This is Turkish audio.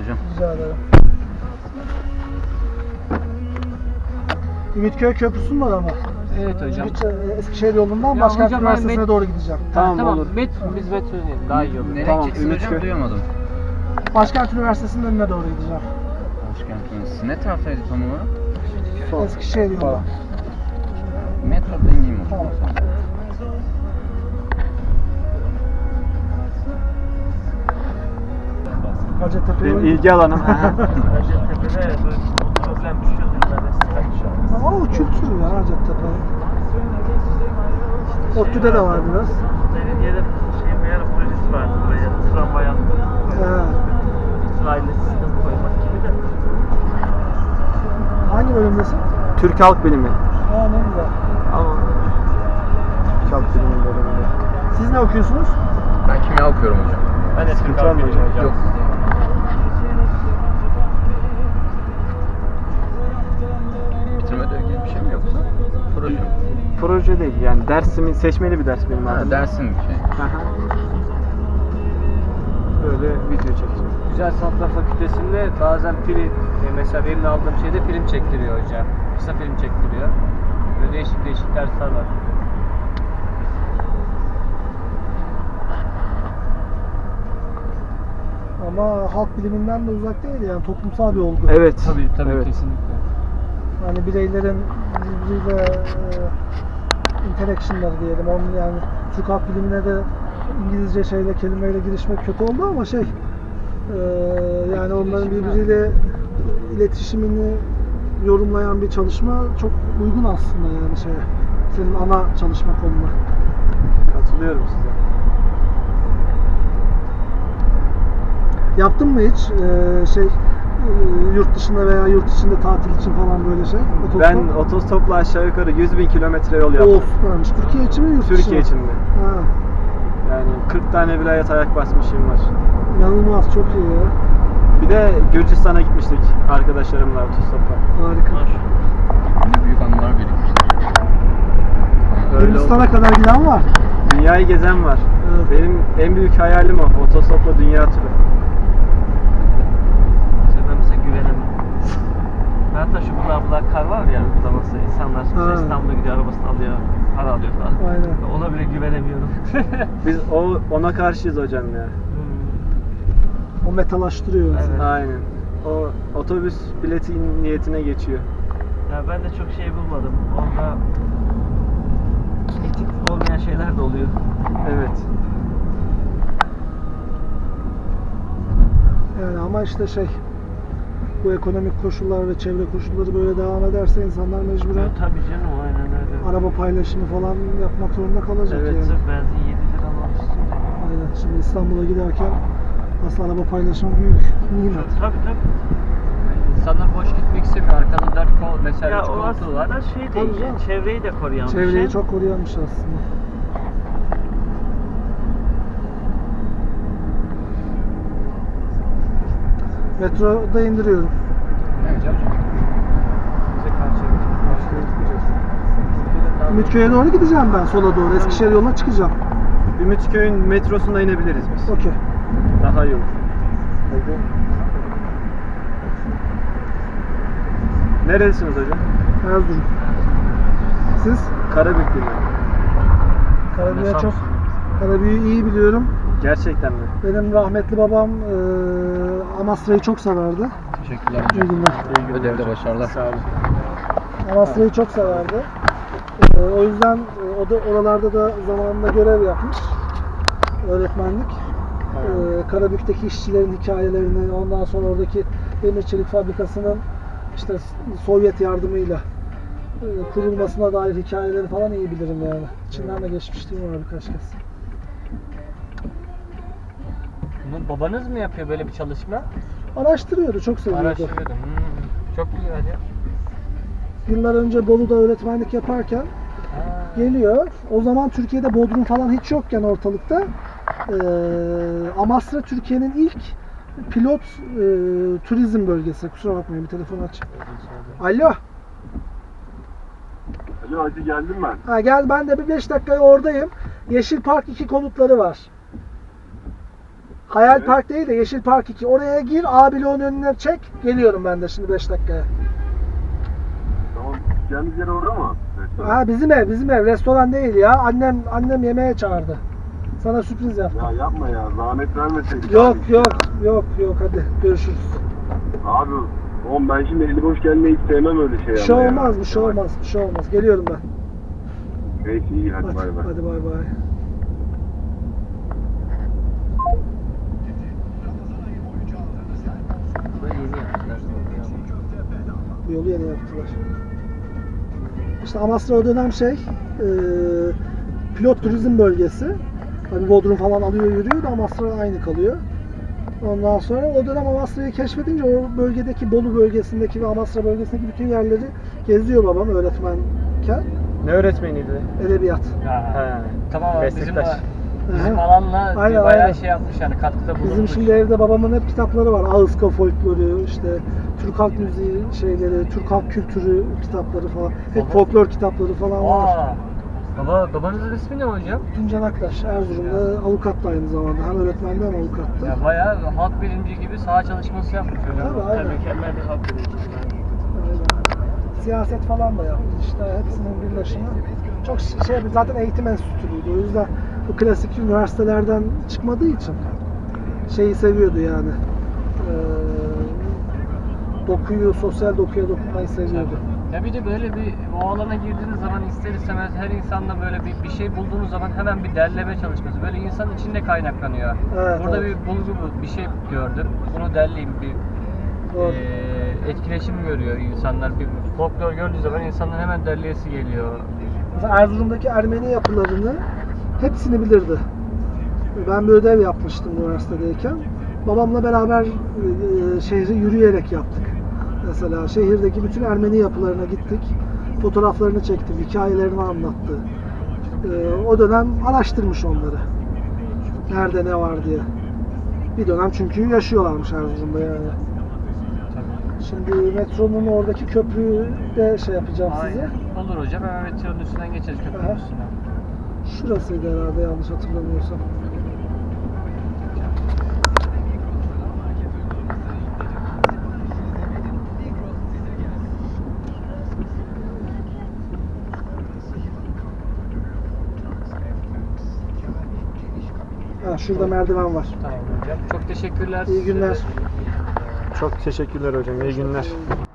hocam. Rica ederim. Ümitköy Köprüsü'nün var ama. Evet hocam. Eskişehir yolundan Ya Başkent hocam, Üniversitesi'ne doğru gideceğim. Tamam olur. Biz metro daha iyi olur. Nereye Tamam. gideceksin hocam? Duyamadım. Başkent Üniversitesi'nin önüne doğru gideceğim. Başkent Üniversitesi. Ne taraftaydı tam olarak? Eskişehir yolundan. Metroda ineyim o zaman. Tamam. Hacettepe'ye Benim ilgi alanım. Hacettepe'de böyle problem düşüyordu. Ama o kültür ya Hacettepe. ODTÜ'de de var biraz. Belediyede bir ara projesi vardı buraya. Tramvay attı. Raylı sistem koymak gibi de. Hangi bölümdesin? Türk Halk Bilimi. Aa ne güzel. Ama Türk Halk Bilimi bölümünde. Siz ne okuyorsunuz? Ben kimya okuyorum hocam. Ben de Türk Halk Bilimi hocam. Yok. Bitirme ödevi gibi bir şey mi yoksa? Proje mi? Proje değil yani dersimin seçmeli bir ders benim Ha, adım. dersin bir şey. Aha. Böyle video çekeceğim. Güzel Sanatlar Fakültesi'nde bazen film, mesela benim de aldığım şeyde film çektiriyor hocam. Kısa film çektiriyor. Böyle değişik dersler var. Ama halk biliminden de uzak değil yani toplumsal bir olgu. Evet. Tabii evet. kesinlikle. Yani bireylerin birbiriyle interaction'ları diyelim. Onun yani Türk halk bilimine de İngilizce kelimeyle girişmek kötü oldu ama yani onların birbiriyle iletişimini yorumlayan bir çalışma çok uygun aslında yani senin ana çalışma konuna. Katılıyorum size. Yaptın mı hiç yurt dışında veya yurt içinde tatil için falan böyle şey? Otostop? Ben otostopla aşağı yukarı 100.000 kilometre yol yaptım. Süpermiş. Türkiye için mi yurt dışı Türkiye mı? için mi? Ha, Yani 40 tane vilayet ayak basmışım var. inanılmaz çok iyi ya. Bir de Gürcistan'a gitmiştik arkadaşlarımla otostopla. Harika. Ne büyük anılar birikmiştir. Öyle Hindistan'a oldu. kadar giden var. Dünyayı gezen var. Evet. Benim en büyük hayalim o. Otostopla dünya turu. Ben mesela güvenemem. Hatta şu bula kar var ya uygulaması. İnsanlar mesela Ha. İstanbul'a gidiyor, arabasını alıyor, para alıyor falan. Aynen. Ona bile güvenemiyorum. Biz ona karşıyız hocam ya. O metalaştırıyor mesela. Evet. Aynen. O otobüs bileti niyetine geçiyor. Ya ben de çok şey bulmadım. Orada etik olmayan şeyler de oluyor. Evet. Yani ama işte bu ekonomik koşullar ve çevre koşulları böyle devam ederse insanlar mecburen Ya, tabii canım aynen öyle. araba paylaşımı falan yapmak zorunda kalacak Evet, yani. Sırf benzin 7 lira almışsın. Aynen. Şimdi İstanbul'a giderken aslında araba paylaşımı büyük nimet. Tabii. İnsanlar boş gitmek istemiyor. Arkada 4 kol mesela Ya 3 o koltuğu var. aslında şey Tabii değil, canım. çevreyi de koruyan bir Çevreyi şey. çok koruyanmış aslında. Metroda indiriyorum. Ne hocam? Bize karşıya geçiyor. Ümitköy'e doğru gideceğim ben sola doğru. Eskişehir yoluna çıkacağım. Ümitköy'ün metrosunda inebiliriz biz. Okey. Daha iyi olur. Nerelisiniz hocam? Erzurum. Siz? Karabüklü mü? Karabük'ü Karabük'ü iyi biliyorum. Gerçekten mi? Benim rahmetli babam Amasra'yı çok severdi. Teşekkürler İyi hocam. günler. Ödevde başarılar. Sağ olun. Amasra'yı çok severdi. O yüzden o da oralarda da zamanında görev yapmış. Öğretmenlik. Karabük'teki işçilerin hikayelerini, ondan sonra oradaki demir çelik fabrikasının işte Sovyet yardımıyla kurulmasına dair hikayeleri falan iyi bilirim yani. İçinden de geçmişliğim var birkaç kez. Bunu babanız mı yapıyor böyle bir çalışma? Araştırıyordu, çok seviyordu. Araştırıyordum. Çok güzel ya. Yıllar önce Bolu'da öğretmenlik yaparken geliyor. O zaman Türkiye'de Bodrum falan hiç yokken ortalıkta Amasra Türkiye'nin ilk pilot turizm bölgesi. Kusura bakmayın bir telefon aç. Alo. Alo hadi geldim ben. Ha, gel ben de bir 5 dakikaya oradayım. Yeşil Park 2 konutları var. Hayal Park değil de Yeşil Park 2. Oraya gir, A bloğun önüne çek. Geliyorum ben de şimdi 5 dakikaya. Tamam. Gideceğimiz yer orada mı? Ha bizim ev. Restoran değil ya. Annem yemeğe çağırdı. Sana sürpriz yaptım. Ya yapma ya. Zahmet vermeseydik. Yok abi. yok hadi görüşürüz. Abi oğlum ben şimdi eli boş gelmeyi hiç sevmem öyle şey. Bir şey ama ya. olmaz, bir şey olmaz. Geliyorum ben. Neyse iyi hadi bay bay. Hadi bay bay. Burayı yeni yaptılar. Bu yolu yeni yaptılar. İşte Amasra o dönem pilot turizm bölgesi. Tabii Bodrum falan alıyor yürüyor da Amasra aynı kalıyor. Ondan sonra o dönem Amasra'yı keşfedince o bölgedeki Bolu bölgesindeki ve Amasra bölgesindeki bütün yerleri geziyor babam öğretmenken. Ne öğretmeniydi? Edebiyat. Ha. Tamam abi Meslektaş. bizim alanla Aynen, bayağı aynen. şey yapmış yani katkıda bulunmuş. Bizim şimdi evde babamın hep kitapları var. Ağızka folkloru, işte Türk halk müziği şeyleri, Türk halk kültürü kitapları falan. Hep folklor kitapları falan var. Babanızın ismi ne hocam? Tuncan Aktaş, Erzurum'da avukat da aynı zamanda. Hem öğretmendi hem avukattı. Ya bayağı halk bilimci gibi saha çalışması yapmış hocam. Tabii, aynen. Mükemmel bir halk bilimci. Aynen. Siyaset falan da yaptı işte hepsinin birleşimi. Çok zaten eğitim enstitülüydü. O yüzden bu klasik üniversitelerden çıkmadığı için şeyi seviyordu yani. Sosyal dokuya dokunmayı seviyordu. Ya bir de böyle o alana girdiğiniz zaman ister istemez her insanda böyle bir şey bulduğunuz zaman hemen bir derleme çalışması. Böyle insanın içinde kaynaklanıyor. Evet, Burada evet. bir bulgu bir şey gördüm. Bunu derleyeyim Doğru. etkileşim görüyor insanlar. Bir folklor gördüğü zaman insanların hemen derleyesi geliyor. Mesela Erzurum'daki Ermeni yapılarını hepsini bilirdi. Ben bir ödev yapmıştım üniversitedeyken. Babamla beraber şehri yürüyerek yaptık. Mesela şehirdeki bütün Ermeni yapılarına gittik. Fotoğraflarını çektim, hikayelerini anlattı. O dönem araştırmış onları. Nerede ne var diye. Bir dönem çünkü yaşıyorlarmış Erzurum'da yani. Şimdi metronun oradaki köprüyü de yapacağım size. Aynen. Olur hocam hemen metronun üstünden geçeriz Aha. köprünün üstüne. Şurasıydı herhalde yanlış hatırlamıyorsam. Ha, şurada merdiven var. Tamam hocam. Çok teşekkürler. İyi günler. Çok teşekkürler hocam. İyi günler.